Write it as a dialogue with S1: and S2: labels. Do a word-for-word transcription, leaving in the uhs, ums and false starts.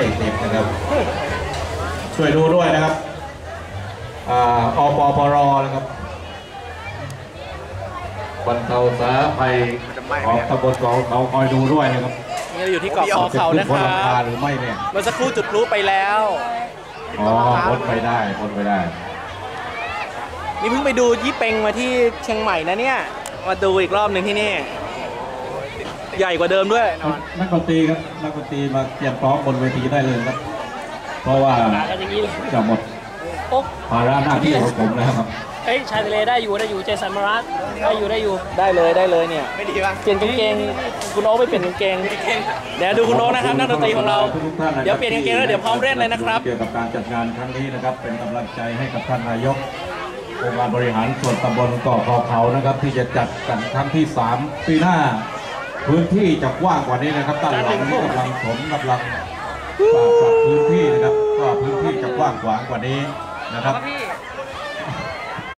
S1: ติดนะครับช่วยดูด้วยนะครับอปปรนะครับบรรเทาสาภัยของตำบลเขาเขาคอยดูด้วยนะครับ
S2: นี่เราอยู่ที่เกาะคอเขานะครับ
S1: หรือไม่เนี่ย
S2: เมื่อสักครู่จุดพลุไปแล้ว
S1: อ๋อพ้นไปได้พ้นไปได้
S2: นี่เพิ่งไปดูยี่เป็งมาที่เชียงใหม่นะเนี่ยมาดูอีกรอบหนึ่งที่นี่ใหญ่กว่าเดิมด้วย
S1: นักดนตรีครับนักดนตรีมาเตรียมพร้อมบนเวทีได้เลยครับเพราะว่าจะหมดภาระหน้าที่ของผมแล้วครับ
S3: เอ้ยชายทะเลได้อยู่ได้อยู่เจสันมารัสได้อยู่ได้อยู่
S2: ได้เลยได้เลยเนี่ยไม่ดีป่ะเปลี่ยนกางเกงคุณโอ๊คไปเปลี่ยนกางเกงเดี๋ยวดูคุณโอ๊คนะครับนักดนตรีของเราเดี๋ยวเปลี่ยนกางเกงแล้วเดี๋ยวพร้อมเล่นเลยนะครับ
S1: เกี่ยวกับการจัดงานครั้งนี้นะครับเป็นกำลังใจให้กับท่านนายกองค์การบริหารส่วนตำบลเกาะคอเขานะครับที่จะจัดกันครั้งที่สามปีหน้าพื้นที่จะกว้างกว่านี้นะครับด้านหลังนี้กำลังถมกำลังปรับพื้นที่นะครับก็พื้นที่จะกว้างขวางกว่านี้นะครับ